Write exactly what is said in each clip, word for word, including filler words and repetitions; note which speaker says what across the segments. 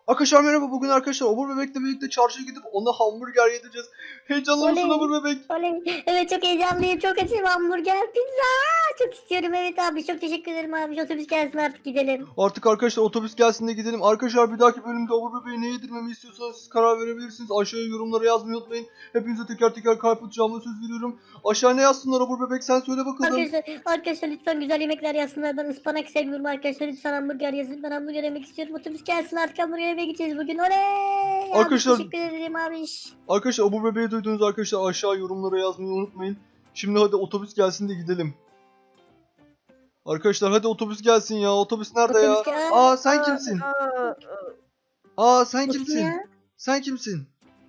Speaker 1: Arkadaşlar merhaba, bugün arkadaşlar Obur Bebek'le birlikte çarşıya gidip ona hamburger yedireceğiz. Heyecanlı mısın
Speaker 2: Oley.
Speaker 1: Obur Bebek?
Speaker 2: Oley. Evet çok heyecanlıyım. Çok açım. Hamburger, pizza. Çok istiyorum. Evet abi. Çok teşekkür ederim abi. Otobüs gelsin artık gidelim.
Speaker 1: Artık arkadaşlar otobüs gelsin de gidelim. Arkadaşlar bir dahaki bölümde Obur Bebek'e ne yedirmemi istiyorsanız siz karar verebilirsiniz. Aşağıya yorumlara yazmayı unutmayın. Hepinize teker teker kalp atacağıma söz veriyorum. Aşağı ne yazsınlar Obur Bebek, sen söyle bakalım.
Speaker 2: Arkadaşlar, arkadaşlar lütfen güzel yemekler yazsınlar. Ben ıspanak seviyorum arkadaşlar. Lütfen hamburger yazın. Ben hamburger yemek istiyorum. Otobüs gelsin artık hamburger yemeye gideceğiz bugün. Oley. Abi
Speaker 1: Arkadaşlar-
Speaker 2: teşekkür ederim abi.
Speaker 1: Arkadaşlar Obur Bebek'i duydunuz arkadaşlar, aşağı yorumlara yazmayı unutmayın. Şimdi hadi otobüs gelsin de gidelim. Arkadaşlar hadi otobüs gelsin ya. Otobüs nerede ya?
Speaker 2: Otobüs gel-
Speaker 1: Aa sen kimsin?
Speaker 3: Aa,
Speaker 1: Aa sen
Speaker 2: Bu kim
Speaker 1: kimsin?
Speaker 2: ya?
Speaker 1: Sen kimsin?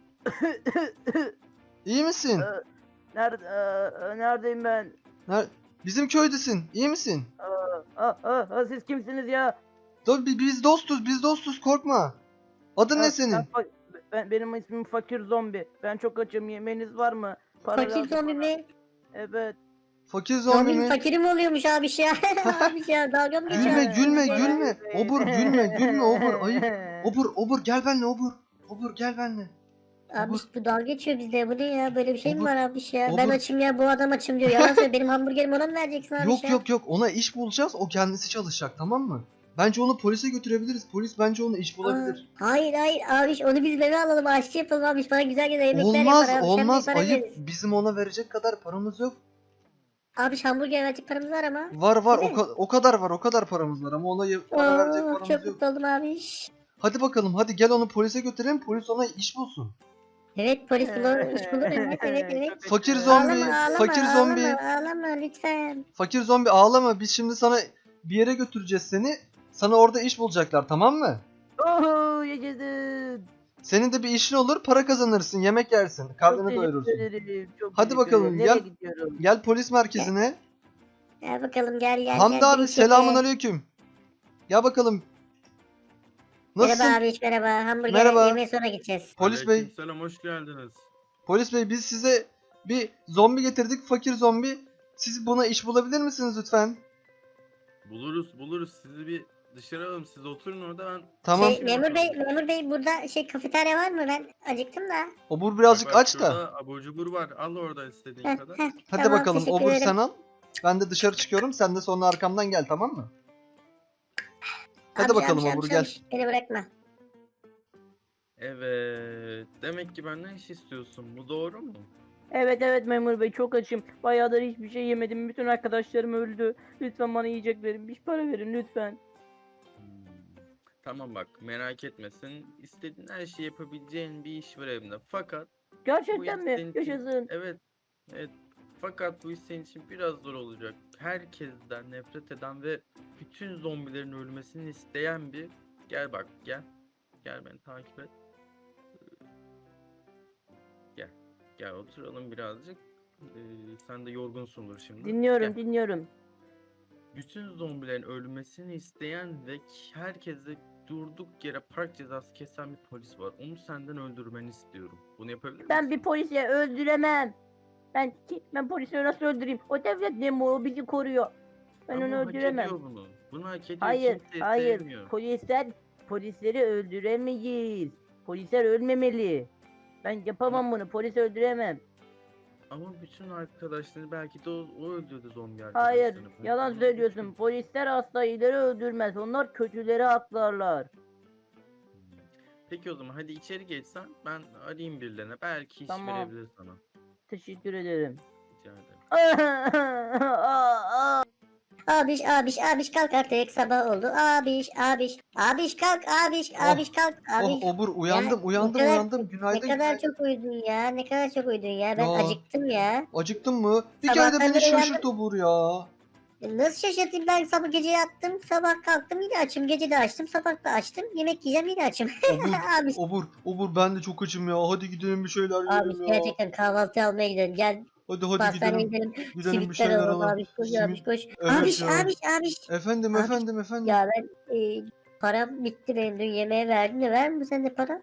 Speaker 1: İyi misin?
Speaker 3: aa, Nerede, aa, neredeyim ben?
Speaker 1: Ner- Bizim köydesin. İyi misin?
Speaker 3: Aa, aa, aa, aa, siz kimsiniz ya?
Speaker 1: Do- bi- biz dostuz, biz dostuz, korkma. Adın
Speaker 3: Aa,
Speaker 1: ne senin?
Speaker 3: ben fa- ben, benim ismim Fakir Zombi. Ben çok açım. Yemeğiniz var mı? Para
Speaker 2: Fakir
Speaker 3: lazım
Speaker 2: zombi
Speaker 3: bana.
Speaker 2: mi?
Speaker 3: Evet.
Speaker 1: Fakir zombi
Speaker 2: Zombi
Speaker 1: mi?
Speaker 2: fakiri mi oluyormuş abi ya? Abi ya dalga mı geçiyorsun?
Speaker 1: Gülme, gülme,
Speaker 3: Ee,
Speaker 1: gülme. Obur, gülme, gülme Obur. Ayıp.
Speaker 3: Ee.
Speaker 1: Obur, Obur gel benimle Obur. Obur gel benimle.
Speaker 2: Abi
Speaker 1: Obur.
Speaker 2: bu dalga geçiyor bizde. Bu ne ya? Böyle bir şey mi
Speaker 1: Obur,
Speaker 2: var abi ya? Ben
Speaker 1: Obur.
Speaker 2: açım ya, bu adam açım diyor. Yalan söyle, benim hamburgerimi ona mı vereceksin abi
Speaker 1: Yok
Speaker 2: ya?
Speaker 1: yok yok, ona iş bulacağız. O kendisi çalışacak, tamam mı? Bence onu polise götürebiliriz. Polis bence ona iş bulabilir.
Speaker 2: Aa, hayır hayır abi, onu biz eve alalım, aşçı yapalım abi. Bana güzel güzel yemekler
Speaker 1: Olmaz,
Speaker 2: yapar abi.
Speaker 1: olmaz.
Speaker 2: Sen bir para
Speaker 1: Ayıp.
Speaker 2: veririz.
Speaker 1: Bizim ona verecek kadar paramız yok.
Speaker 2: Abi hamburger verecek paramız var ama.
Speaker 1: Var var,
Speaker 2: Değil
Speaker 1: o,
Speaker 2: mi?
Speaker 1: ka- o kadar var, o kadar paramız var ama ona ye- para verecek
Speaker 2: Oo,
Speaker 1: paramız
Speaker 2: çok
Speaker 1: yok.
Speaker 2: mutlu oldum abi.
Speaker 1: Hadi bakalım, hadi gel onu polise götürelim. Polis ona iş bulsun.
Speaker 2: Evet polis bulur, iş bulur. Evet evet evet.
Speaker 3: Çok
Speaker 1: Fakir
Speaker 3: kötü.
Speaker 1: zombi.
Speaker 2: Ağlama ağlama
Speaker 1: fakir zombi.
Speaker 2: ağlama ağlama lütfen.
Speaker 1: Fakir zombi ağlama. Biz şimdi sana bir yere götüreceğiz seni. Sana orada iş bulacaklar, tamam mı?
Speaker 3: Oho, yaşasın.
Speaker 1: Senin de bir işin olur, para kazanırsın, yemek yersin, karnını
Speaker 3: Çok teşekkür
Speaker 1: doyurursun.
Speaker 3: ederim, çok
Speaker 1: Hadi
Speaker 3: teşekkür
Speaker 1: bakalım,
Speaker 3: ederim.
Speaker 1: gel.
Speaker 3: Nereye gidiyorum?
Speaker 1: Gel polis merkezine.
Speaker 2: Gel bakalım gel gel.
Speaker 1: Hamdi
Speaker 2: gel,
Speaker 1: abi
Speaker 2: gel,
Speaker 1: selamun
Speaker 2: gel.
Speaker 1: aleyküm. Gel bakalım. Nasılsın?
Speaker 2: Merhaba abi, merhaba. Hamburger
Speaker 1: Merhaba.
Speaker 2: yemeye sonra gideceğiz.
Speaker 1: Polis bey.
Speaker 4: Selam, hoş geldiniz.
Speaker 1: Polis bey, biz size bir zombi getirdik, fakir zombi. Siz buna iş bulabilir misiniz lütfen?
Speaker 4: Buluruz, buluruz. Sizi bir dışarı alalım. Siz oturun orada, ben...
Speaker 1: Tamam.
Speaker 2: Şey, memur bey, memur bey burada şey kafeterya var mı? Ben acıktım da.
Speaker 1: Obur birazcık
Speaker 4: Bak, bak,
Speaker 1: aç da.
Speaker 4: şurada abur cubur var. Al orada istediğin
Speaker 2: Heh,
Speaker 4: kadar.
Speaker 2: heh,
Speaker 1: Hadi
Speaker 2: tamam,
Speaker 1: bakalım,
Speaker 2: teşekkür
Speaker 1: Obur
Speaker 2: ederim.
Speaker 1: sen al. Ben de dışarı çıkıyorum, sen de sonra arkamdan gel, tamam mı? Hadi
Speaker 2: Amca,
Speaker 1: bakalım
Speaker 2: amca,
Speaker 1: Obur,
Speaker 2: amca,
Speaker 1: gel.
Speaker 2: amca, Beni bırakma.
Speaker 4: Evet. Demek ki benden iş istiyorsun. Bu doğru mu?
Speaker 3: Evet evet memur bey, çok açım. Bayağıdır hiçbir şey yemedim. Bütün arkadaşlarım öldü. Lütfen bana yiyecek verin. Bir para verin lütfen.
Speaker 4: Hmm. Tamam bak, merak etmesin. İstediğin her şeyi yapabileceğin bir iş var evimde. Fakat bu
Speaker 3: Gerçekten
Speaker 4: iş
Speaker 3: mi?
Speaker 4: senin için-
Speaker 3: Yaşasın.
Speaker 4: Evet. Evet. Fakat bu iş senin için biraz zor olacak. Herkesten nefret eden ve bütün zombilerin ölmesini isteyen bir... Gel bak, gel. Gel, beni takip et. Gel. Gel, oturalım birazcık. Ee, sen de yorgunsundur şimdi.
Speaker 3: Dinliyorum
Speaker 4: Gel.
Speaker 3: dinliyorum.
Speaker 4: Bütün zombilerin ölmesini isteyen ve herkese durduk yere park cezası kesen bir polis var. Onu senden öldürmeni istiyorum. Bunu yapabilir
Speaker 3: Ben
Speaker 4: misin?
Speaker 3: bir polisi öldüremem. Ben ki ben polisi nasıl öldüreyim? O devlet ne mi, o bizi koruyor. Ben
Speaker 4: Ama
Speaker 3: onu
Speaker 4: hak
Speaker 3: öldüremem.
Speaker 4: ediyor bunu. Bunu hak ediyor.
Speaker 3: Hayır,
Speaker 4: Kimse
Speaker 3: hayır.
Speaker 4: sevmiyor.
Speaker 3: Polisler polisleri öldüremeyiz. Polisler ölmemeli. Ben yapamam bunu. Polis öldüremem.
Speaker 4: Ama bütün arkadaşları belki de o, o öldürdü zombi
Speaker 3: Hayır,
Speaker 4: arkadaşlarını. Bunu
Speaker 3: yalan
Speaker 4: kabul
Speaker 3: söylüyorsun.
Speaker 4: etmiyorum.
Speaker 3: Polisler asla iyileri öldürmez. Onlar kötüleri aklarlar.
Speaker 4: Hmm. Peki o zaman hadi içeri geçsen, ben arayayım birilerine. Belki iş
Speaker 3: Tamam.
Speaker 4: verebilir sana.
Speaker 3: Teşekkür ederim.
Speaker 4: Rica ederim.
Speaker 2: Abiş abiş abiş kalk artık, sabah oldu. Abiş abiş abiş kalk abiş
Speaker 1: Oh,
Speaker 2: abiş kalk abiş.
Speaker 1: Oh Obur, uyandım,
Speaker 2: Ya,
Speaker 1: uyandım,
Speaker 2: ne kadar-
Speaker 1: uyandım.
Speaker 2: Ne
Speaker 1: Günaydın,
Speaker 2: kadar
Speaker 1: günaydın.
Speaker 2: çok uyudun ya, ne kadar çok uyudun ya. Ben
Speaker 1: Ya.
Speaker 2: acıktım ya.
Speaker 1: Acıktın mı? Bir kere de
Speaker 2: Sabahtan
Speaker 1: beni
Speaker 2: beri
Speaker 1: şaşırt Obur ya.
Speaker 2: E, Nasıl şaşırtayım, ben sabah gece yattım, sabah kalktım yine açım, gece de açtım, sabah da açtım, yemek yiyeceğim yine açım.
Speaker 1: Obur,
Speaker 2: Abi,
Speaker 1: Obur, Obur ben de çok açım ya. Hadi gidelim bir şeyler
Speaker 2: abi
Speaker 1: yiyelim ya.
Speaker 2: gerçekten kahvaltı almaya gidelim. Gel
Speaker 1: Hadi hadi
Speaker 2: pastaneye
Speaker 1: gidelim.
Speaker 2: gidelim.
Speaker 1: Gidelim bir
Speaker 2: Simitler
Speaker 1: şeyler
Speaker 2: alalım
Speaker 1: alalım.
Speaker 2: abi, koş
Speaker 1: Simit-
Speaker 2: abi koş.
Speaker 1: Evet
Speaker 2: abiş
Speaker 1: ya.
Speaker 2: abiş abiş.
Speaker 1: Efendim,
Speaker 2: Abi-
Speaker 1: efendim, efendim.
Speaker 2: Ya ben e, param bitti benim, dün yemeğe verdim de, ver mi sen de para?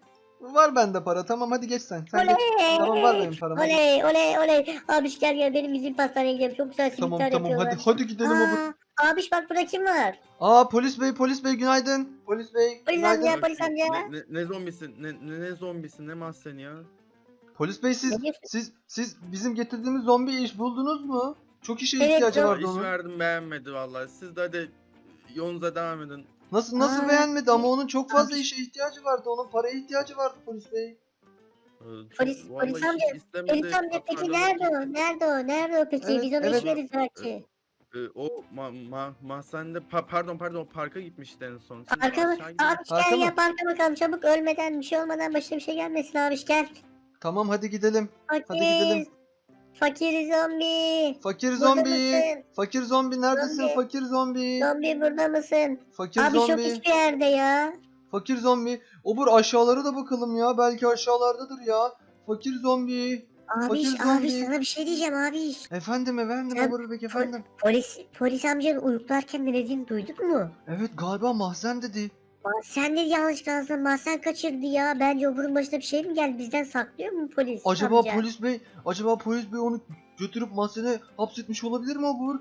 Speaker 1: Var bende para. Tamam hadi geç sen. Sen geç.
Speaker 2: Oley.
Speaker 1: Tamam var benim param. Hadi.
Speaker 2: Oley oley oley. Abiş gel gel benim bizim pastaneye gidelim. Çok güzel
Speaker 1: Tamam
Speaker 2: simitler
Speaker 1: tamam hadi
Speaker 2: yapıyorlar.
Speaker 1: hadi gidelim obur.
Speaker 2: Aa, abiş bak burada kim var?
Speaker 1: Aa polis bey polis bey günaydın. Polis bey
Speaker 2: Polis
Speaker 1: günaydın.
Speaker 2: amca. polis amca.
Speaker 4: Ne, ne, ne zombisi? Ne, ne, ne zombisi? Ne mahzeni ya?
Speaker 1: Polis bey siz
Speaker 2: Ne diyorsun?
Speaker 1: siz siz bizim getirdiğimiz zombi iş buldunuz mu? Çok işe
Speaker 2: Evet,
Speaker 1: ihtiyacı
Speaker 2: zombi-
Speaker 1: vardı
Speaker 4: İş
Speaker 1: onun.
Speaker 4: verdim beğenmedi vallahi. Siz de hadi yolunuza devam edin.
Speaker 1: Nasıl nasıl
Speaker 2: Aa,
Speaker 1: beğenmedi ama onun çok fazla
Speaker 2: abi.
Speaker 1: işe ihtiyacı vardı. Onun paraya ihtiyacı vardı polis bey.
Speaker 4: Ee, çok-
Speaker 2: Polis-
Speaker 4: vallahi
Speaker 2: polis
Speaker 4: hiç
Speaker 2: amca,
Speaker 4: istemedi.
Speaker 2: Polis amca peki
Speaker 4: Pardon,
Speaker 2: nerede o? Nerede o? Nerede o peki?
Speaker 1: Evet,
Speaker 2: Biz ona
Speaker 1: evet.
Speaker 2: iş veririz belki.
Speaker 4: Ee, o ma, ma, mahzende pa- pardon pardon o parka gitmişti en son. Siz
Speaker 2: Parka mı?
Speaker 4: aşağı gidin.
Speaker 2: Abiş
Speaker 1: Parka
Speaker 2: gel
Speaker 1: mı?
Speaker 2: ya parka bakalım çabuk ölmeden bir şey olmadan başına bir şey gelmesin abiş gel.
Speaker 1: Tamam hadi gidelim.
Speaker 2: Fakir.
Speaker 1: gidelim.
Speaker 2: Fakir zombi.
Speaker 1: Fakir
Speaker 2: Burada
Speaker 1: zombi.
Speaker 2: mısın?
Speaker 1: Fakir zombi neredesin?
Speaker 2: Zombi.
Speaker 1: Fakir zombi.
Speaker 2: Zombi burada mısın?
Speaker 1: Fakir
Speaker 2: Abi yok
Speaker 1: zombi.
Speaker 2: hiçbir yerde ya.
Speaker 1: Fakir zombi. Obur aşağılara da bakalım ya. Belki aşağılardadır ya. Fakir zombi.
Speaker 2: Abiş
Speaker 1: Fakir zombi.
Speaker 2: abiş sana bir şey diyeceğim abiş.
Speaker 1: Efendim efendim
Speaker 2: Sen-
Speaker 1: Obur bey efendim.
Speaker 2: Polis polis amcanın uyuklarken ne dediğini duydun mu?
Speaker 1: Evet galiba mahzen dedi.
Speaker 2: Aa, sen de yanlış kalsın mahzen kaçırdı ya. Bence oburun başına bir şey mi geldi? Bizden saklıyor mu polis
Speaker 1: Acaba
Speaker 2: amca?
Speaker 1: polis bey, acaba polis bey onu götürüp mahzene hapsetmiş olabilir mi Obur?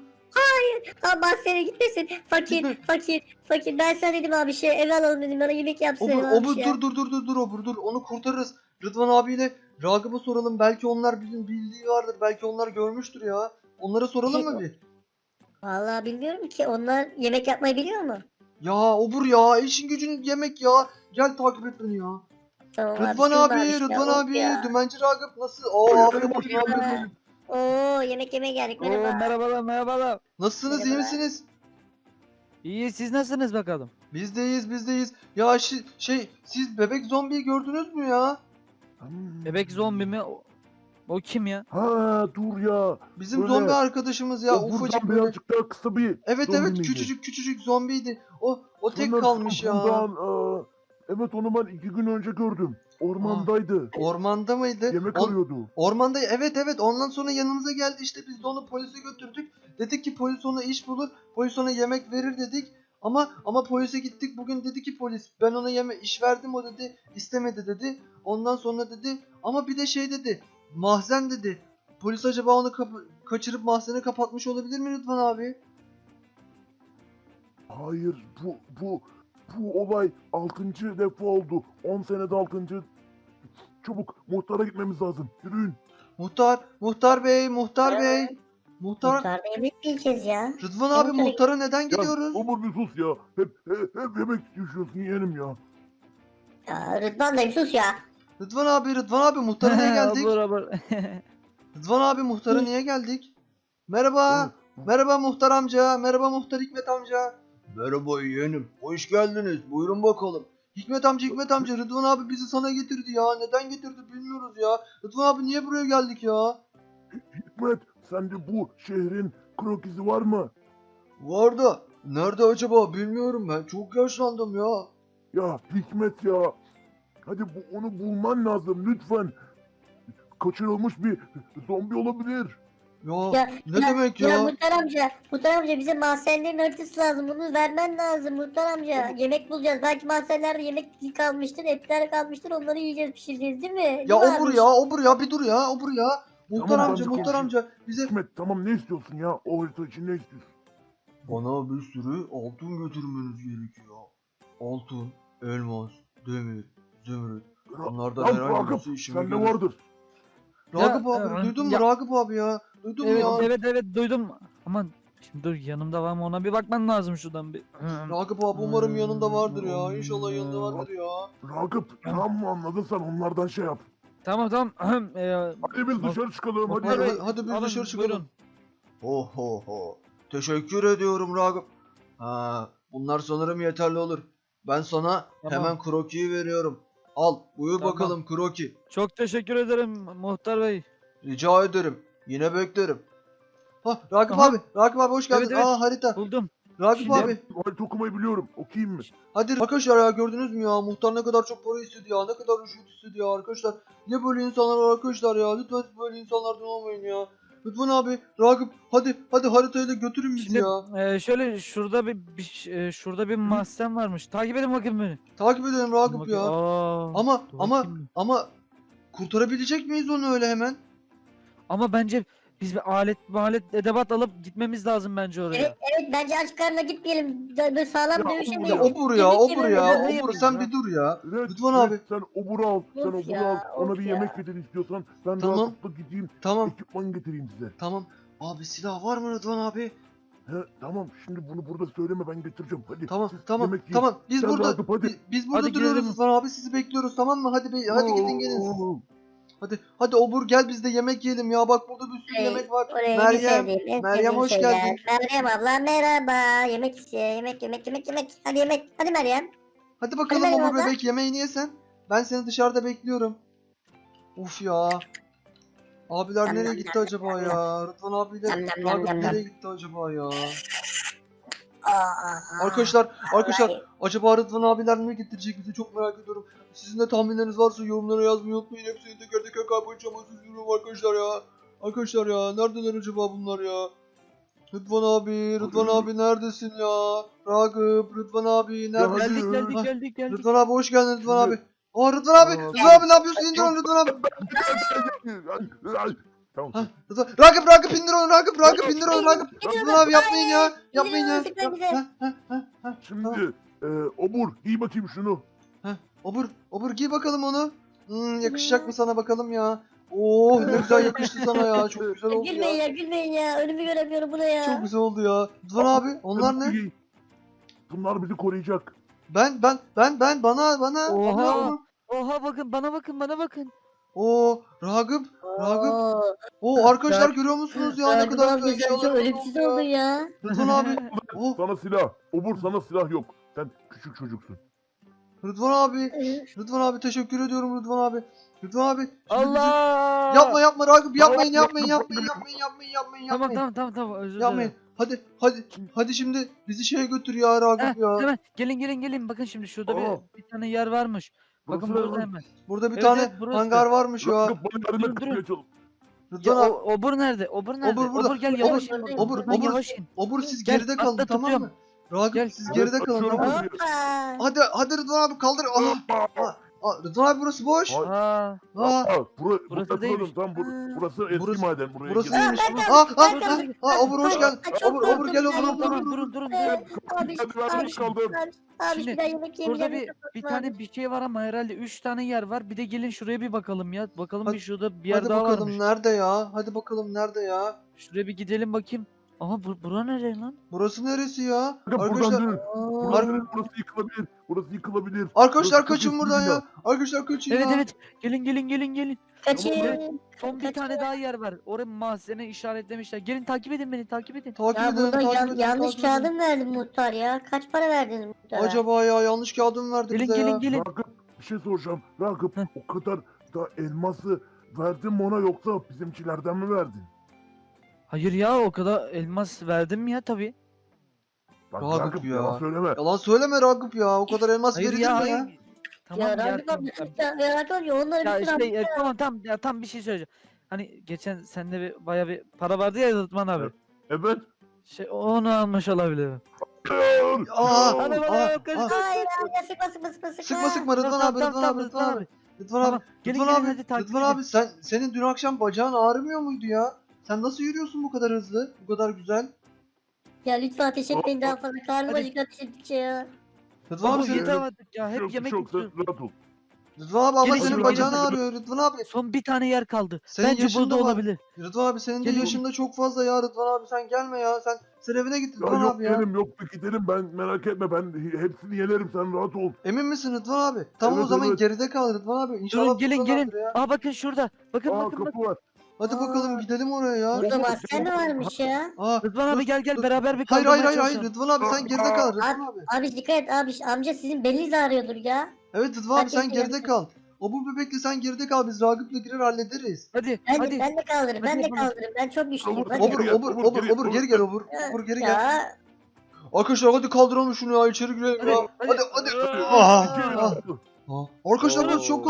Speaker 2: Aa mahzene gitmesin. Fakir
Speaker 1: Gitme.
Speaker 2: fakir fakir. Ben sana dedim abi şey eve alalım dedim. Bana yemek yapsın.
Speaker 1: Obur,
Speaker 2: abi
Speaker 1: Obur
Speaker 2: ya.
Speaker 1: dur dur dur dur dur Obur dur. Onu kurtarırız. Rıdvan abiyle Ragıp'a soralım. Belki onlar bizim bildiği vardır. Belki onlar görmüştür ya. Onlara soralım mı bir?
Speaker 2: Vallahi bilmiyorum ki. Onlar yemek yapmayı biliyor mu?
Speaker 1: Ya Obur ya işin gücün yemek ya. Gel takip et beni ya.
Speaker 2: Tamam
Speaker 1: Rıdvan
Speaker 2: abi,
Speaker 1: abi,
Speaker 2: şimdi
Speaker 1: Rıdvan
Speaker 2: ya,
Speaker 1: abi,
Speaker 2: ya.
Speaker 1: Dümenci Ragıp nasıl? Oo abi bakın abi.
Speaker 2: Merhaba. Oo yemek yemeye geldik
Speaker 5: Oo,
Speaker 2: merhaba.
Speaker 5: merhabalar merhabalar.
Speaker 1: Nasılsınız iyi
Speaker 2: Merhabalar.
Speaker 1: misiniz?
Speaker 5: İyi siz nasılsınız bakalım?
Speaker 1: Biz de iyiyiz biz de iyiyiz. Ya şi- şey siz bebek zombiyi gördünüz mü ya?
Speaker 5: Bebek zombi mi? O, o kim ya?
Speaker 6: Ha dur ya.
Speaker 1: Bizim
Speaker 6: Böyle-
Speaker 1: zombi arkadaşımız ya
Speaker 6: o
Speaker 1: ufacık
Speaker 6: buradan
Speaker 1: böyle.
Speaker 6: birazcık daha kısa bir
Speaker 1: Evet
Speaker 6: zombi
Speaker 1: evet
Speaker 6: miydi?
Speaker 1: küçücük küçücük zombiydi. O o tek
Speaker 6: Sanırsam
Speaker 1: kalmış ya.
Speaker 6: bundan, aa, evet onu ben iki gün önce gördüm. Ormandaydı.
Speaker 1: Ormanda mıydı?
Speaker 6: Yemek
Speaker 1: On-
Speaker 6: arıyordu.
Speaker 1: Ormanda evet evet ondan sonra yanımıza geldi işte biz de onu polise götürdük. Dedik ki polis ona iş bulur. Polis ona yemek verir dedik. Ama ama polise gittik bugün dedi ki polis ben ona yeme iş verdim o dedi istemedi dedi. Ondan sonra dedi ama bir de şey dedi mahzen dedi. Polis acaba onu kapı- kaçırıp mahzene kapatmış olabilir mi Rıdvan abi?
Speaker 6: Hayır bu bu bu olay altıncı defa oldu. on senede altıncı. Çabuk muhtara gitmemiz lazım. Yürüyün.
Speaker 1: Muhtar, muhtar bey, muhtar bey. Muhtar,
Speaker 2: Muhtarda yemek mi yiyeceğiz ya?
Speaker 1: Rıdvan abi
Speaker 2: Muhtar-
Speaker 1: muhtara neden
Speaker 6: Ya
Speaker 1: gidiyoruz?
Speaker 6: Umur bir sus ya. Hep, hep, hep yemek düşüyorsun yeğenim ya.
Speaker 2: Ya Rıdvan dayım sus ya.
Speaker 1: Rıdvan abi, Rıdvan abi muhtara niye geldik?
Speaker 5: Olur, olur.
Speaker 1: Rıdvan abi muhtara niye geldik? Merhaba.
Speaker 6: Hı.
Speaker 1: Merhaba muhtar amca. Merhaba muhtar Hikmet amca. Merhaba yeğenim. Hoş geldiniz. Buyurun bakalım. Hikmet amca, Hikmet amca Rıdvan abi bizi sana getirdi ya. Neden getirdi bilmiyoruz ya. Rıdvan abi niye buraya geldik ya?
Speaker 6: Hikmet sende bu şehrin krokisi var mı?
Speaker 1: Vardı. Nerede acaba bilmiyorum ben. Çok yaşlandım ya.
Speaker 6: Ya Hikmet ya. Hadi bu, onu bulman lazım lütfen. Kaçırılmış bir zombi olabilir.
Speaker 1: Ya,
Speaker 2: Ya,
Speaker 1: ne
Speaker 2: ya,
Speaker 1: demek
Speaker 2: Ya
Speaker 1: ya?
Speaker 2: Muhtar amca, Muhtar amca bize mahzenlerin haritası lazım. Bunu vermen lazım Muhtar amca. Yemek bulacağız. Belki mahzenlerde yemek kalmıştır, etler kalmıştır. Onları yiyeceğiz, pişireceğiz değil mi?
Speaker 1: Ya
Speaker 2: Değil mi
Speaker 1: obur
Speaker 2: abi?
Speaker 1: ya, obur ya bir dur ya, obur ya. Muhtar
Speaker 6: Tamam,
Speaker 1: amca,
Speaker 6: tamam,
Speaker 1: muhtar
Speaker 6: konuşayım.
Speaker 1: amca bize...
Speaker 6: Hikmet tamam ne istiyorsun ya? O harita için ne istiyorsun?
Speaker 1: Bana bir sürü altın götürmeniz gerekiyor. Altın, elmas, demir, zümrüt. Bunlardan
Speaker 6: Lan
Speaker 1: herhangi
Speaker 6: Ragıp
Speaker 1: birisi işime
Speaker 6: sende
Speaker 1: gelir.
Speaker 6: vardır.
Speaker 1: Ragıp
Speaker 5: Ya,
Speaker 1: abi,
Speaker 5: e,
Speaker 1: duydun mu
Speaker 5: ya-
Speaker 1: Ragıp abi ya? Duydun mu
Speaker 5: Evet,
Speaker 1: ya?
Speaker 5: evet evet duydum. Aman şimdi dur yanımda var mı ona bir bakman lazım şuradan bir.
Speaker 1: Ragıp abi umarım yanında vardır ya. İnşallah yanında vardır ya.
Speaker 6: Ragıp tamam mı anladın sen onlardan şey yap.
Speaker 5: Tamam tamam. Ee,
Speaker 6: Hadi biz dışarı çıkalım hadi.
Speaker 1: Hadi,
Speaker 5: Bey,
Speaker 1: hadi, hadi biz
Speaker 5: alın,
Speaker 1: dışarı çıkalım.
Speaker 5: buyurun.
Speaker 1: Ho ho ho. Teşekkür ediyorum Ragıp. Ha, bunlar sanırım yeterli olur. Ben sana
Speaker 5: Tamam.
Speaker 1: hemen krokiyi veriyorum. Al, buyur
Speaker 5: Tamam.
Speaker 1: bakalım kroki.
Speaker 5: Çok teşekkür ederim muhtar bey.
Speaker 1: Rica ederim. Yine beklerim. Ha Ragıp
Speaker 5: Aha.
Speaker 1: abi, Ragıp abi hoş geldin.
Speaker 5: Evet, evet.
Speaker 1: Aa harita.
Speaker 5: Buldum.
Speaker 1: Ragıp
Speaker 5: Şimdi-
Speaker 1: abi.
Speaker 6: Harita okumayı biliyorum. Okuyayım mı?
Speaker 1: Hadi arkadaşlar ya gördünüz mü ya muhtar ne kadar çok para istedi ya ne kadar rüşvet istedi ya arkadaşlar. Ne böyle insanlar var arkadaşlar ya lütfen siz böyle insanlardan olmayın ya. Rıdvan abi, Ragıp hadi hadi haritayla götürün bizi
Speaker 5: Şimdi
Speaker 1: ya.
Speaker 5: e, şöyle şurada bir, bir ş- e, şurada bir mahzen varmış. Takip edin bakayım beni.
Speaker 1: Takip edelim Ragıp
Speaker 5: Bakayım.
Speaker 1: ya.
Speaker 5: Aa,
Speaker 1: Ama
Speaker 5: dur
Speaker 1: ama
Speaker 5: bakayım bir.
Speaker 1: ama kurtarabilecek miyiz onu öyle hemen?
Speaker 5: Ama bence biz bir alet alet edebat alıp gitmemiz lazım bence oraya.
Speaker 2: Evet evet bence aç karnına gitmeyelim. Dö- Böyle sağlam
Speaker 6: Ya,
Speaker 2: dövüşemeyiz.
Speaker 1: Ya obur ya,
Speaker 2: Yemek
Speaker 1: obur
Speaker 2: yemeyelim.
Speaker 1: ya,
Speaker 5: ne
Speaker 1: obur
Speaker 5: yapayım
Speaker 1: sen
Speaker 5: ya?
Speaker 1: bir dur ya.
Speaker 6: Evet,
Speaker 1: Rıdvan
Speaker 6: evet,
Speaker 1: abi.
Speaker 6: sen oburu al. Sen
Speaker 2: Of
Speaker 6: oburu
Speaker 2: ya,
Speaker 6: al. Ona
Speaker 2: of
Speaker 6: bir
Speaker 2: ya.
Speaker 6: yemek getir istiyorsan. Ben
Speaker 1: Tamam.
Speaker 6: rahatlıkla gideyim.
Speaker 1: Tamam,
Speaker 6: Ekipman getireyim size.
Speaker 1: tamam. Abi silah var mı Rıdvan abi?
Speaker 6: He, tamam şimdi bunu burada söyleme ben getireceğim. Hadi.
Speaker 1: Tamam,
Speaker 6: siz
Speaker 1: tamam,
Speaker 6: yemek yiyin.
Speaker 1: tamam. Biz
Speaker 6: Gel
Speaker 1: burada
Speaker 6: Ragıp, hadi.
Speaker 1: bi- biz burada
Speaker 5: Hadi
Speaker 1: duruyoruz
Speaker 5: gidelim.
Speaker 1: Rıdvan abi. Sizi bekliyoruz tamam mı? Hadi be, hadi gidin gelin.
Speaker 6: Oo.
Speaker 1: Hadi hadi obur gel biz de yemek yiyelim ya. Bak burada bir sürü
Speaker 2: Ay,
Speaker 1: yemek var.
Speaker 2: Oraya en
Speaker 1: Meryem,
Speaker 2: sevdiğim, en
Speaker 1: Meryem
Speaker 2: sevdiğim
Speaker 1: hoş
Speaker 2: şeyler.
Speaker 1: geldin.
Speaker 2: Meryem abla merhaba. Yemek istiyor. Yemek yemek yemek yemek. Hadi yemek. Hadi Meryem.
Speaker 1: Hadi bakalım
Speaker 2: Hadi
Speaker 1: obur
Speaker 2: Meryem abla.
Speaker 1: bebek yemeğini yesen. Ben seni dışarıda bekliyorum. Uf ya. Abiler
Speaker 2: Nam
Speaker 1: nereye
Speaker 2: nam
Speaker 1: gitti
Speaker 2: nam
Speaker 1: acaba
Speaker 2: nam
Speaker 1: ya? Rıdvan abiyle
Speaker 2: Nam nam nam
Speaker 1: Ragıp
Speaker 2: nam nam.
Speaker 1: nereye gitti acaba ya?
Speaker 2: Aa,
Speaker 1: Arkadaşlar, arkadaşlar
Speaker 2: vallahi.
Speaker 1: acaba Rıdvan abiler ne getirecek bize çok merak ediyorum. Sizin de tahminleriniz varsa yorumlara yazmayı unutmayın. Hepsini teker teker kaybolacağım. Siz yorum arkadaşlar ya. Arkadaşlar ya neredeler acaba bunlar ya? Rıdvan abi, Rıdvan abi neredesin ya? Ragıp, Rıdvan abi neredesin?
Speaker 6: hadi.
Speaker 5: Geldik geldik
Speaker 1: Ha,
Speaker 5: geldik geldik.
Speaker 1: Rıdvan abi hoş geldin Rıdvan
Speaker 6: Şimdi-
Speaker 1: abi. Aa Rıdvan abi,
Speaker 6: Aa,
Speaker 1: Rıdvan abi ne yapıyorsun? İndir onu Rıdvan abi.
Speaker 6: Tamam.
Speaker 1: Ha, Rıdvan, Ragıp, Ragıp indir onu Ragıp, Ragıp indir onu Ragıp. Rıdvan abi yapmayın ya, yapmayın ya.
Speaker 2: Sıkma bize.
Speaker 1: Ha, ha, ha, ha.
Speaker 6: Şimdi e, obur giy bakayım şunu.
Speaker 1: Obur, obur giy bakalım onu. Hmm, yakışacak mı sana bakalım ya? Oo ne güzel yakıştı sana ya. Çok güzel oldu
Speaker 2: Gülmeyin
Speaker 1: ya.
Speaker 2: ya gülmeyin ya. Önümü göremiyorum bu ne ya.
Speaker 1: Çok güzel oldu ya. Rıdvan abi onlar ne?
Speaker 6: Giy. Bunlar bizi koruyacak.
Speaker 1: Ben ben ben ben bana bana.
Speaker 5: Oha.
Speaker 1: Bana.
Speaker 5: Oha bakın bana bakın bana bakın.
Speaker 1: Oo Ragıp. Ragıp.
Speaker 2: Oo,
Speaker 1: Oo arkadaşlar görüyor musunuz ya ne
Speaker 2: Ragıp
Speaker 1: kadar
Speaker 2: abi
Speaker 1: güzel
Speaker 2: sen çok
Speaker 1: eşyalar
Speaker 2: ölümsüz
Speaker 1: oldu
Speaker 2: oldun
Speaker 1: ya.
Speaker 2: ya.
Speaker 1: Rıdvan abi. Oh
Speaker 6: Sana silah. Obur sana silah yok. Sen küçük çocuksun.
Speaker 1: Rıdvan abi. Rıdvan abi teşekkür ediyorum Rıdvan abi. Rıdvan abi. şimdi bizi-
Speaker 5: Allah.
Speaker 1: Yapma yapma Ragıp yapmayın
Speaker 6: Tamam,
Speaker 1: yapmayın
Speaker 6: yapma,
Speaker 1: yapmayın yapmayın yapmayın yapmayın
Speaker 5: Tamam
Speaker 1: yapmayın.
Speaker 5: tamam tamam tamam özür
Speaker 1: Yapmayın.
Speaker 5: dilerim.
Speaker 1: Hadi hadi hadi şimdi bizi şeye götür ya Ragıp
Speaker 5: Heh,
Speaker 1: ya.
Speaker 5: hemen gelin gelin gelin bakın şimdi şurada
Speaker 6: Aa.
Speaker 5: bir, bir tane yer varmış. Bakın
Speaker 6: Burası
Speaker 5: burada
Speaker 6: ne?
Speaker 5: hemen.
Speaker 1: Burada bir
Speaker 5: Evet,
Speaker 1: tane
Speaker 5: evet, burası.
Speaker 1: hangar varmış ya.
Speaker 6: Ragıp bana yardım
Speaker 5: Durun,
Speaker 6: et
Speaker 5: durun.
Speaker 6: kapıyı açalım.
Speaker 5: Ya
Speaker 1: Rıdvan
Speaker 5: o,
Speaker 1: abi.
Speaker 5: obur nerede? Obur nerede?
Speaker 1: Obur burada.
Speaker 5: gel
Speaker 1: Obur,
Speaker 5: yavaş in.
Speaker 2: obur,
Speaker 1: obur,
Speaker 5: Buradan
Speaker 1: obur.
Speaker 5: yavaş in.
Speaker 1: Obur siz
Speaker 5: Gel,
Speaker 1: geride kalın
Speaker 5: atla,
Speaker 1: tamam
Speaker 5: tutuyorum.
Speaker 1: mı? Ragıp
Speaker 5: Gel.
Speaker 1: siz
Speaker 6: Evet,
Speaker 1: geride kalın
Speaker 6: açıyorum
Speaker 1: tamam mı?
Speaker 6: kapıyı.
Speaker 2: Hoppa.
Speaker 1: Hadi hadi Rıdvan abi kaldır. Aa, aa, aa, Rıdvan abi burası boş.
Speaker 6: Ay.
Speaker 5: Aa,
Speaker 1: Aa,
Speaker 6: Aa, bura,
Speaker 5: Burası
Speaker 6: burası
Speaker 5: değilmiş.
Speaker 6: değilmiş. Tam bur burası eski
Speaker 1: Burası-
Speaker 6: maden. Buraya
Speaker 1: burası
Speaker 6: girelim.
Speaker 1: neymiş?
Speaker 2: Ben
Speaker 1: Aa,
Speaker 2: kaldım,
Speaker 1: aa,
Speaker 2: ben
Speaker 1: aa,
Speaker 2: kaldım.
Speaker 1: aa, Obur hoş geldin.
Speaker 2: Aa, çok
Speaker 1: Obur, Obur
Speaker 2: korktum
Speaker 1: gel
Speaker 2: ben.
Speaker 1: Obur,
Speaker 5: tamam
Speaker 1: Obur,
Speaker 5: tamam
Speaker 1: Obur.
Speaker 5: durun durun
Speaker 2: Ee,
Speaker 5: durun.
Speaker 2: Abi
Speaker 6: Hadi ben
Speaker 2: abi
Speaker 6: geç kaldım.
Speaker 2: abi abi
Speaker 5: Şimdi
Speaker 2: bir daha yemek
Speaker 5: Burada
Speaker 2: yemeyeceğim.
Speaker 5: bir bir tane bir şey var ama herhalde üç tane yer var. Bir de gelin şuraya bir bakalım ya. Bakalım
Speaker 1: Hadi-
Speaker 5: bir şurada bir yer
Speaker 1: Hadi
Speaker 5: daha
Speaker 1: bakalım
Speaker 5: varmış.
Speaker 1: nerede ya? Hadi bakalım nerede ya?
Speaker 5: Şuraya bir gidelim bakayım. Aha bu, bura nereye lan?
Speaker 1: Burası neresi ya?
Speaker 6: Bakın buradan
Speaker 1: Arkadaşlar
Speaker 6: dönün.
Speaker 2: Oo.
Speaker 6: Buradan dönün. Burası yıkılabilir. Burası yıkılabilir.
Speaker 1: arkadaşlar
Speaker 6: Burası çok
Speaker 1: kaçın
Speaker 6: eski
Speaker 1: buradan
Speaker 6: bir
Speaker 1: ya. Arkadaşlar kaçın
Speaker 5: Evet
Speaker 1: ya.
Speaker 5: evet. Gelin gelin gelin gelin.
Speaker 2: Kaçın.
Speaker 5: Son bir tane daha yer var. Oraya mahzene işaretlemişler. Gelin takip edin beni takip edin.
Speaker 1: Takip
Speaker 2: Ya
Speaker 1: edin,
Speaker 2: burada
Speaker 1: takip
Speaker 2: yan-
Speaker 1: edin,
Speaker 2: yanlış
Speaker 1: takip edin.
Speaker 2: kağıdı mı verdin muhtar ya? Kaç para verdiniz muhtara?
Speaker 1: Acaba ya yanlış kağıdı mı verdi
Speaker 5: Gelin
Speaker 1: bize
Speaker 5: gelin
Speaker 1: ya?
Speaker 5: gelin.
Speaker 6: Ragıp bir şey soracağım. Ragıp
Speaker 5: Heh.
Speaker 6: o kadar da elması verdin mi ona yoksa bizimkilerden mi verdin?
Speaker 5: Hayır ya o kadar elmas verdim mi ya tabii.
Speaker 6: Bak
Speaker 1: Ragıp
Speaker 6: Ragıp
Speaker 1: ya.
Speaker 6: yalan söyleme.
Speaker 1: Yalan söyleme Ragıp ya. O kadar elmas
Speaker 5: Hayır
Speaker 1: verilir
Speaker 5: ya
Speaker 1: mi
Speaker 5: hayır.
Speaker 1: ya?
Speaker 5: Tamam
Speaker 2: ya
Speaker 5: ya.
Speaker 2: Ragıp
Speaker 5: tamam,
Speaker 2: abi
Speaker 5: tamam.
Speaker 2: ya, ya Ragıp abi onları
Speaker 5: Ya
Speaker 2: bir sürü
Speaker 5: işte e, tamam tamam ya tam bir şey söyleyeceğim. Hani geçen sende bir baya bir para vardı ya Rıdvan abi.
Speaker 6: Evet. Evet.
Speaker 5: Şey onu almış olabilir.
Speaker 6: Hayır.
Speaker 1: Aa,
Speaker 5: Hadi
Speaker 1: aa,
Speaker 5: bana
Speaker 1: aa.
Speaker 5: kaç.
Speaker 2: Hayır abi ya sıkma sıkma sıkma sıkma.
Speaker 1: Sıkma sıkma Rıdvan
Speaker 5: Tamam,
Speaker 1: abi,
Speaker 5: tamam,
Speaker 1: Rıdvan
Speaker 5: tamam,
Speaker 1: abi, Rıdvan abi. Rıdvan
Speaker 5: Tamam,
Speaker 1: abi,
Speaker 5: gelin,
Speaker 1: Rıdvan
Speaker 5: gelin,
Speaker 1: abi,
Speaker 5: hadi takip
Speaker 1: Rıdvan
Speaker 5: edin.
Speaker 1: abi sen senin dün akşam bacağın ağrımıyor muydu ya? Sen nasıl yürüyorsun bu kadar hızlı? Bu kadar güzel?
Speaker 2: Ya lütfen ateş etmeyin daha fazla. Karnım
Speaker 5: Hadi.
Speaker 2: acıktı ateş ettikçe ya.
Speaker 1: Rıdvan abi
Speaker 5: Oğlum
Speaker 1: senin,
Speaker 5: yeter artık ya hep
Speaker 6: Çok
Speaker 5: yemek
Speaker 6: çok sen
Speaker 5: yiyorsun.
Speaker 6: rahat ol.
Speaker 1: Rıdvan abi ama
Speaker 5: Gelin,
Speaker 1: senin
Speaker 5: gelin,
Speaker 1: bacağın
Speaker 6: gelin.
Speaker 1: ağrıyor Rıdvan abi.
Speaker 5: Son bir tane yer kaldı.
Speaker 1: Senin
Speaker 5: Bence
Speaker 1: yaşın
Speaker 5: burada
Speaker 1: da var.
Speaker 5: olabilir.
Speaker 1: Rıdvan abi senin de
Speaker 5: Gelin.
Speaker 1: yaşın da çok fazla ya Rıdvan abi sen gelme ya. Sen sen evine git
Speaker 6: Ya
Speaker 1: Rıdvan
Speaker 6: yok
Speaker 1: abi ya.
Speaker 6: benim yok gidelim ben merak etme ben hepsini yenerim sen rahat ol.
Speaker 1: Emin misin Rıdvan abi? Tamam o
Speaker 6: Evet,
Speaker 1: zaman
Speaker 6: evet.
Speaker 1: geride kal Rıdvan abi. İnşallah
Speaker 5: Durun gelin gelin.
Speaker 1: buradalardır ya.
Speaker 5: Aa bakın şurada. Bakın
Speaker 6: Aa
Speaker 5: bakın bakın.
Speaker 6: kapı var.
Speaker 1: Hadi
Speaker 2: Aa.
Speaker 1: bakalım gidelim oraya ya.
Speaker 2: Burada
Speaker 6: Oğlum,
Speaker 2: maske mi varmış ya?
Speaker 1: Aa,
Speaker 5: Rıdvan abi
Speaker 1: dur,
Speaker 5: gel gel
Speaker 1: dur.
Speaker 5: beraber bir
Speaker 1: Hayır hayır
Speaker 5: kaldırmaya
Speaker 1: hayır hayır
Speaker 5: çalışalım.
Speaker 1: Rıdvan abi sen geride kal Rıdvan abi.
Speaker 2: Abi dikkat et abi amca sizin beliniz ağrıyordur ya.
Speaker 1: Evet Rıdvan abi
Speaker 2: Herkes
Speaker 1: sen geride
Speaker 2: geride.
Speaker 1: kal. O bu bebekle sen geride kal biz Ragıp'la girer hallederiz.
Speaker 5: Hadi
Speaker 2: Ben
Speaker 5: hadi.
Speaker 2: de, ben de kaldırırım ben
Speaker 5: Hadi
Speaker 2: de
Speaker 5: yapalım.
Speaker 2: kaldırırım ben çok güçlüyüm.
Speaker 6: Obur,
Speaker 2: Hadi.
Speaker 1: Obur
Speaker 6: gel,
Speaker 1: obur
Speaker 6: obur,
Speaker 1: obur
Speaker 6: geri,
Speaker 1: obur geri gel obur. Obur geri gel.
Speaker 2: Ya
Speaker 1: Arkadaşlar hadi kaldıralım şunu ya içeri girelim
Speaker 5: Hadi,
Speaker 1: ya.
Speaker 5: hadi.
Speaker 1: Hadi hadi.
Speaker 6: Aa,
Speaker 1: Aha,
Speaker 6: iki
Speaker 1: aha.
Speaker 6: elmas.
Speaker 1: Aa, Arkadaşlar burası çok korkunç.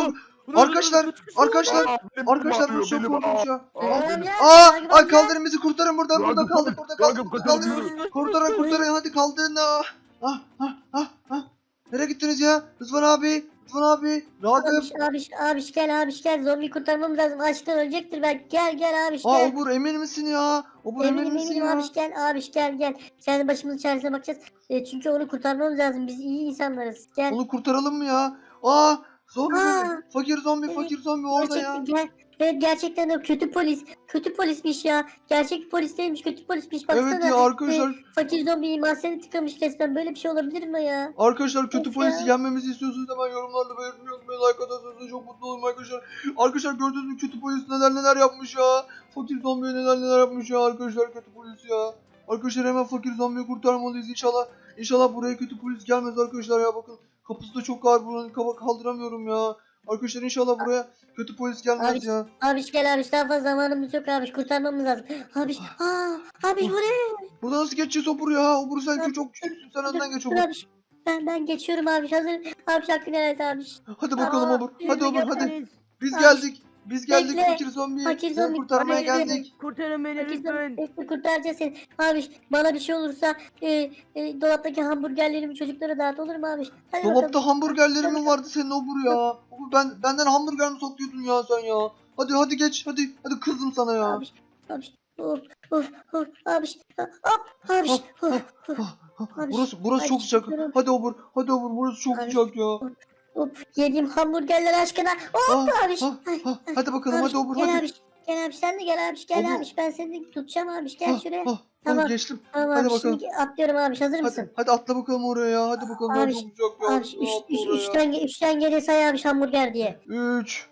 Speaker 1: Arkadaşlar, arkadaşlar,
Speaker 6: Aa, benim
Speaker 1: arkadaşlar bu
Speaker 6: ağrıyor,
Speaker 1: çok
Speaker 6: benim
Speaker 1: korkunç ya.
Speaker 6: Aa,
Speaker 2: Tamam
Speaker 6: benim-
Speaker 2: ya,
Speaker 1: Aa,
Speaker 2: takip
Speaker 1: ay
Speaker 2: et ya.
Speaker 1: kaldırın bizi, kurtarın buradan, burada
Speaker 6: Ragıp,
Speaker 1: kaldık, burada kaldık,
Speaker 6: Ragıp,
Speaker 1: burada
Speaker 6: kaçalım,
Speaker 1: kaldırın.
Speaker 6: yürü.
Speaker 1: Kurtarın, kurtarın, hadi kaldırın. Ah, ah, ah, ah, ah. Nereye gittiniz ya? Rıdvan abi, Rıdvan abi, Ragıp.
Speaker 2: Abiş, abiş, abiş gel abiş gel. Zombi kurtarmamız lazım. Açlıktan ölecektir belki. Gel gel abiş
Speaker 1: Aa
Speaker 2: gel.
Speaker 1: Obur emin misin ya? Obur emin
Speaker 2: Eminim
Speaker 1: misin
Speaker 2: eminim
Speaker 1: ya?
Speaker 2: abiş gel abiş gel gel. Kendi başımızın çaresine bakacağız. E, çünkü onu kurtarmamız lazım. Biz iyi insanlarız. Gel.
Speaker 1: Onu kurtaralım mı ya? Aa, zombi,
Speaker 2: Aa,
Speaker 1: fakir zombi,
Speaker 2: evet,
Speaker 1: fakir zombi orada ya.
Speaker 2: Gerçekten gel. Evet gerçekten de kötü polis. Kötü polismiş ya. Gerçek polis değilmiş. Kötü polismiş. Baksana.
Speaker 1: Evet ya arkadaşlar,
Speaker 2: e, fakir zombi mahzeni tıkamış resmen. Böyle bir şey olabilir mi ya?
Speaker 1: arkadaşlar kötü
Speaker 2: Of
Speaker 1: polisi
Speaker 2: ya.
Speaker 1: yenmemizi istiyorsunuz hemen yorumlarda belirtmeyi unutmayın. Like atarsanız çok mutlu olurum arkadaşlar. Arkadaşlar gördüğünüz gibi kötü polis neler neler yapmış ya. Fakir zombiye neler neler yapmış ya arkadaşlar kötü polis ya. Arkadaşlar hemen fakir zombiyi kurtarmalıyız inşallah. İnşallah buraya kötü polis gelmez arkadaşlar ya, bakın. Kapısı da çok ağır, buranın kaba kaldıramıyorum ya. Arkadaşlar inşallah buraya kötü polis gelmez
Speaker 2: Abi,
Speaker 1: ya.
Speaker 2: Abiş gel abiş. Daha fazla zamanımız yok abiş. Kurtarmamız lazım. Abiş. Aa, abiş bu ne?
Speaker 1: Burada nasıl geçeceğiz Obur ya? Obur sen çok küçüksün, sen önden geç
Speaker 2: Dur
Speaker 1: Obur.
Speaker 2: abiş. Ben, ben geçiyorum abiş. Hazır. Abiş hakkını helal et abiş.
Speaker 1: Hadi bakalım
Speaker 2: Aa,
Speaker 1: Obur. Hadi Obur hadi.
Speaker 3: Geldiniz.
Speaker 1: Biz
Speaker 2: Abi,
Speaker 1: geldik. Biz geldik
Speaker 2: bekle.
Speaker 1: fakir zombi.
Speaker 2: Fakir
Speaker 1: Seni
Speaker 2: zombi,
Speaker 1: kurtarmaya
Speaker 2: bana yardım
Speaker 1: geldik.
Speaker 3: Kurtarın beni
Speaker 2: Fakir
Speaker 3: lütfen.
Speaker 2: zombi, bekle, kurtaracağız seni. Abiş bana bir şey olursa e, e, dolaptaki hamburgerlerimi çocuklara dağıt, olur mu abiş? Hadi bakalım.
Speaker 1: Dolapta hamburgerleri mi vardı senin Obur ya? Obur ben benden hamburger mi soktuyordun ya sen ya? Hadi hadi geç hadi. Hadi kızdım sana ya.
Speaker 2: Abiş. Abiş. Of of of abiş. Hop abiş.
Speaker 1: Ah,
Speaker 2: Of,
Speaker 1: ah,
Speaker 2: of,
Speaker 1: ah,
Speaker 2: Abi,
Speaker 1: burası burası
Speaker 2: abi,
Speaker 1: çok sıcak.
Speaker 2: çıkıyorum.
Speaker 1: Hadi Obur. Hadi Obur burası çok
Speaker 2: Abi,
Speaker 1: sıcak ya.
Speaker 2: of. Yediğim hamburgerler aşkına. Hop
Speaker 1: Ah,
Speaker 2: abiş.
Speaker 1: ah,
Speaker 2: Ay,
Speaker 1: ah,
Speaker 2: ay,
Speaker 1: hadi bakalım
Speaker 2: abiş,
Speaker 1: hadi Obur
Speaker 2: gel
Speaker 1: hadi.
Speaker 2: abiş. Gel abiş sen de gel abiş. Gel
Speaker 1: Obur.
Speaker 2: abiş ben seni tutacağım abiş. Gel
Speaker 1: Ah,
Speaker 2: şuraya.
Speaker 1: ah,
Speaker 2: Tamam.
Speaker 1: ah, geçtim.
Speaker 2: Tamam
Speaker 1: hadi
Speaker 2: abi
Speaker 1: bakalım.
Speaker 2: şimdi atlıyorum abiş. Hazır mısın?
Speaker 1: Hadi, hadi atla bakalım oraya ya. Hadi bakalım ya
Speaker 2: Abi,
Speaker 1: çok sıcak ya.
Speaker 2: Abi
Speaker 1: Atla,
Speaker 2: üç,
Speaker 1: atla
Speaker 2: üç,
Speaker 1: oraya.
Speaker 2: üçten, ge- üçten geriye say abi hamburger diye.
Speaker 1: üç,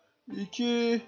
Speaker 1: iki,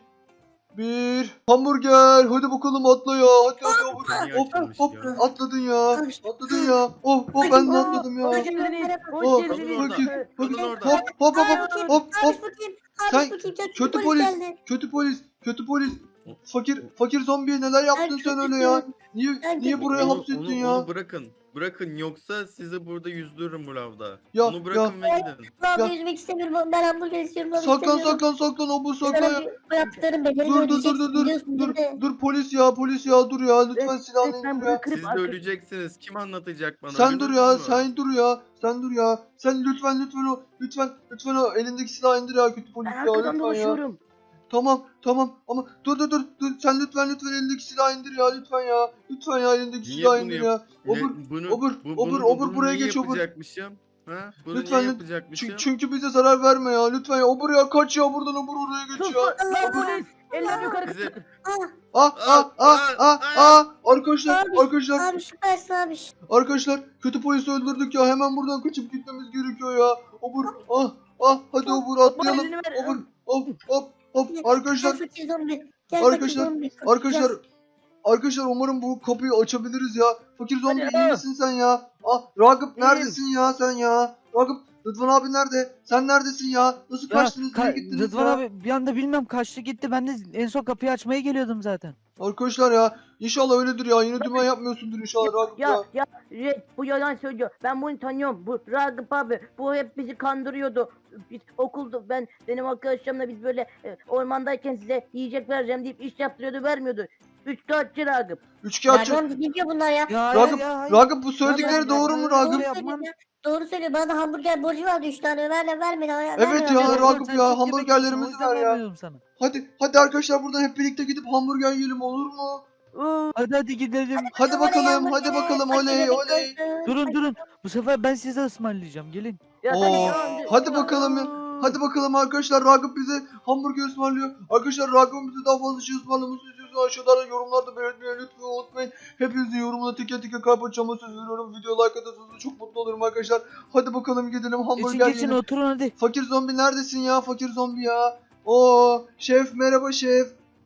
Speaker 1: bir. Hamburger. Hadi bakalım atla ya. Hadi hadi Obur.
Speaker 4: Beni
Speaker 1: Hop
Speaker 4: açılmış
Speaker 1: hop
Speaker 4: ya.
Speaker 1: atladın ya.
Speaker 2: Abi,
Speaker 1: Atladın ya. Hop hop ben de atladım ya.
Speaker 3: Hoş geldiniz.
Speaker 1: Oh,
Speaker 3: Hoş geldiniz.
Speaker 1: fakir,
Speaker 3: Ee,
Speaker 1: fakir.
Speaker 4: Kalın orada.
Speaker 1: Hop hop hop
Speaker 2: Abi
Speaker 1: hop
Speaker 2: bakayım,
Speaker 1: hop hop.
Speaker 2: Abi bakayım.
Speaker 1: Sen
Speaker 2: Abi bakayım. Kötü,
Speaker 1: kötü
Speaker 2: polis,
Speaker 1: polis,
Speaker 2: geldi.
Speaker 1: kötü polis, kötü polis. Fakir, fakir zombiye neler yaptın
Speaker 2: Ben
Speaker 1: sen öyle ya?
Speaker 2: kötüyüm.
Speaker 1: Niye,
Speaker 2: Ben
Speaker 1: niye
Speaker 2: kötü-
Speaker 1: buraya
Speaker 4: Onu,
Speaker 1: hapsettin
Speaker 4: onu,
Speaker 1: ya?
Speaker 4: onu bırakın. Bırakın yoksa sizi burada yüzdürürüm bu lavda.
Speaker 1: Ya,
Speaker 4: onu bırakın ve gidin.
Speaker 2: Vallahi
Speaker 1: Ya.
Speaker 2: yüzmek istemiyorum. Ben hamburger istiyorum. abi,
Speaker 1: Saklan
Speaker 2: istemiyorum.
Speaker 1: saklan saklan Obur saklan
Speaker 2: Sana
Speaker 1: ya.
Speaker 2: bir- bu yaptıkların bedelini
Speaker 1: Dur dur dur
Speaker 2: ödeyeceksin,
Speaker 1: dur dur
Speaker 2: biliyorsun
Speaker 1: dur
Speaker 2: değil mi?
Speaker 1: dur polis ya polis ya dur ya lütfen
Speaker 3: Evet,
Speaker 1: silahını
Speaker 3: evet, ben
Speaker 1: indir
Speaker 3: bunu
Speaker 1: ya.
Speaker 3: kırıp
Speaker 4: Siz de
Speaker 3: arka-
Speaker 4: öleceksiniz. Kim anlatacak bana?
Speaker 1: Sen dur
Speaker 4: Duydunuz
Speaker 1: ya
Speaker 4: mu?
Speaker 1: sen dur ya sen dur ya. Sen lütfen lütfen o lütfen lütfen o elindeki silahı indir ya kötü polis
Speaker 3: Ben
Speaker 1: ya
Speaker 3: arkadan
Speaker 1: lütfen ya.
Speaker 3: dolaşıyorum.
Speaker 1: Tamam tamam ama dur dur dur dur sen lütfen lütfen elindeki silahı indir ya lütfen ya. Lütfen ya elindeki
Speaker 4: Niye
Speaker 1: silahı
Speaker 4: bunu
Speaker 1: indir
Speaker 4: yap-
Speaker 1: ya.
Speaker 4: Ne-
Speaker 1: Obur
Speaker 4: bunu,
Speaker 1: obur,
Speaker 4: bu,
Speaker 1: obur,
Speaker 4: bunu,
Speaker 1: obur,
Speaker 4: bunu
Speaker 1: buraya
Speaker 4: niye
Speaker 1: geç, obur.
Speaker 4: yapacakmışım? Ha? Bunu
Speaker 1: Lütfen,
Speaker 4: niye
Speaker 1: lüt-
Speaker 4: yapacakmışım?
Speaker 1: Çünkü, çünkü bize zarar verme ya lütfen ya. Obur ya kaç ya buradan obur oraya geç
Speaker 3: Sus
Speaker 1: ya.
Speaker 3: lan polis. Eller yukarı
Speaker 4: Bize-
Speaker 3: kaldır.
Speaker 2: Ah,
Speaker 1: Ah ah ah ah ah arkadaşlar
Speaker 2: Abi,
Speaker 1: arkadaşlar
Speaker 2: abi süpersin abi.
Speaker 1: arkadaşlar kötü polisi öldürdük ya hemen buradan kaçıp gitmemiz gerekiyor ya. Obur ah ah hadi obur
Speaker 3: Bana
Speaker 1: atlayalım.
Speaker 3: elini ver.
Speaker 1: Obur hop hop hop
Speaker 2: Gel
Speaker 1: arkadaşlar
Speaker 2: fakir zombi. Gel
Speaker 1: Arkadaşlar,
Speaker 2: fakir zombi.
Speaker 1: arkadaşlar arkadaşlar umarım bu kapıyı açabiliriz ya. Fakir zombi
Speaker 3: Hadi
Speaker 1: iyi
Speaker 3: ya.
Speaker 1: misin sen ya? Ah Ragıp
Speaker 3: İyiyim.
Speaker 1: neredesin ya sen ya? Ragıp Rıdvan abi nerede? Sen neredesin ya? Nasıl
Speaker 5: Ya,
Speaker 1: kaçtınız?
Speaker 5: ka-
Speaker 1: Nereye gittiniz
Speaker 5: Rıdvan
Speaker 1: ya?
Speaker 5: abi bir anda bilmem kaçtı gitti. Ben de en son kapıyı açmaya geliyordum zaten.
Speaker 1: Arkadaşlar ya inşallah öyledir ya. Yine dümen yapmıyorsundur inşallah Ragıp ya.
Speaker 3: Ya ya Red, bu yalan söylüyor. Ben bunu tanıyorum. Bu Ragıp abi. Bu hep bizi kandırıyordu. Biz okulda ben benim arkadaşlarımla biz böyle e, ormandayken size yiyecek vereceğim deyip iş yaptırıyordu vermiyordu. Üç kağıtçı Ragıp.
Speaker 1: Üçkağıtçı.
Speaker 2: Nereden ne diyor bunlar ya?
Speaker 5: Ya
Speaker 1: Ragıp,
Speaker 5: ya, hayır.
Speaker 1: Ragıp bu söyledikleri
Speaker 5: Ya,
Speaker 1: doğru mu
Speaker 5: ya,
Speaker 1: Ragıp?
Speaker 2: Doğru
Speaker 5: yapmam.
Speaker 2: söylüyor ya. Doğru söylüyor. Bana da hamburger borcu vardı üç tane. Ver ver beni. Ver,
Speaker 1: Evet
Speaker 2: ver,
Speaker 1: ya,
Speaker 2: ver.
Speaker 1: Ragıp
Speaker 5: Sen
Speaker 1: ya,
Speaker 5: çok yemek
Speaker 1: hamburgerlerimizi
Speaker 5: yiyorsun, o yüzden
Speaker 1: ver ya.
Speaker 5: vermiyorum sana.
Speaker 1: Hadi hadi arkadaşlar buradan hep birlikte gidip hamburger yiyelim olur mu?
Speaker 3: Oo,
Speaker 5: Hadi hadi gidelim.
Speaker 1: Hadi
Speaker 2: Oley,
Speaker 1: bakalım
Speaker 2: hamburger,
Speaker 1: hadi bakalım
Speaker 2: fakir
Speaker 1: oley
Speaker 2: bebek
Speaker 1: oley.
Speaker 2: olsun.
Speaker 5: Durun durun. Bu sefer ben size ısmarlayacağım. Gelin.
Speaker 3: ya
Speaker 1: Oo,
Speaker 3: hadi ya.
Speaker 1: hadi bakalım ya. Hadi bakalım arkadaşlar Ragıp bize hamburger ısmarlıyor. Arkadaşlar Ragıp'ın bize daha fazla şey ısmarlamasını istiyorsanız aşağıda yorumlarda belirtmeyi lütfen unutmayın. Hepinizin yorumuna teker teker kalp atacağıma söz veriyorum. Video like atarsanız da çok mutlu olurum arkadaşlar. Hadi bakalım gidelim
Speaker 5: Geçin
Speaker 1: hamburger
Speaker 5: geçin
Speaker 1: yiyelim.
Speaker 5: oturun hadi.
Speaker 1: Fakir zombi neredesin ya fakir zombi ya? Oo şef merhaba şef.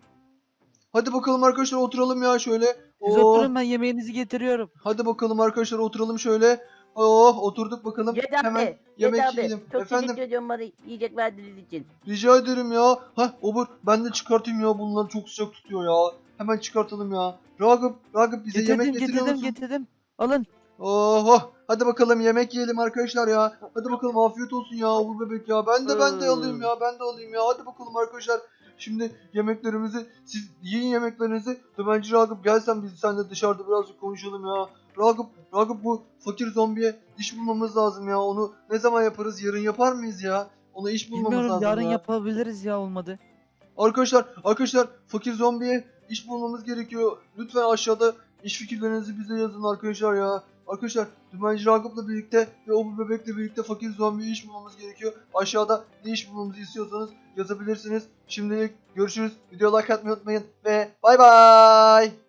Speaker 1: Hadi bakalım arkadaşlar oturalım ya şöyle.
Speaker 5: Siz
Speaker 1: Oo,
Speaker 5: oturun ben yemeğinizi getiriyorum.
Speaker 1: hadi bakalım arkadaşlar oturalım şöyle. Oh oturduk bakalım.
Speaker 3: Yedi
Speaker 1: Hemen
Speaker 3: abi.
Speaker 1: yemek
Speaker 3: Yedi abi.
Speaker 1: yiyelim.
Speaker 3: Çok
Speaker 1: Efendim
Speaker 3: teşekkür ediyorum bana yiyecek verdiğiniz için.
Speaker 1: rica ederim ya. Hah Obur ben de çıkartayım ya bunları çok sıcak tutuyor ya. Hemen çıkartalım ya. Ragıp Ragıp bize
Speaker 5: Getirdim
Speaker 1: yemek getiriyor
Speaker 5: getirdim
Speaker 1: musun?
Speaker 5: getirdim. Alın.
Speaker 1: Oh Hadi bakalım yemek yiyelim arkadaşlar ya. Hadi bakalım afiyet olsun ya Uğur Bebek ya. Ben de ben de alayım ya. Ben de alayım ya. Hadi bakalım arkadaşlar. Şimdi yemeklerimizi siz yiyin yemeklerinizi. Dümenci Ragıp gelsen biz seninle dışarıda birazcık konuşalım ya. Ragıp, Ragıp bu fakir zombiye iş bulmamız lazım ya. Onu ne zaman yaparız? Yarın yapar mıyız ya? Ona iş bulmamız
Speaker 5: Bilmiyorum,
Speaker 1: lazım
Speaker 5: yarın
Speaker 1: ya.
Speaker 5: yapabiliriz ya, olmadı.
Speaker 1: Arkadaşlar, arkadaşlar fakir zombiye iş bulmamız gerekiyor. Lütfen aşağıda iş fikirlerinizi bize yazın arkadaşlar ya. Arkadaşlar Dümenci Ragıp'la birlikte ve Uğur Bebek'le birlikte fakir zombiye iş bulmamız gerekiyor. Aşağıda ne iş bulmamızı istiyorsanız yazabilirsiniz. Şimdilik görüşürüz. Video like atmayı unutmayın ve bay bay.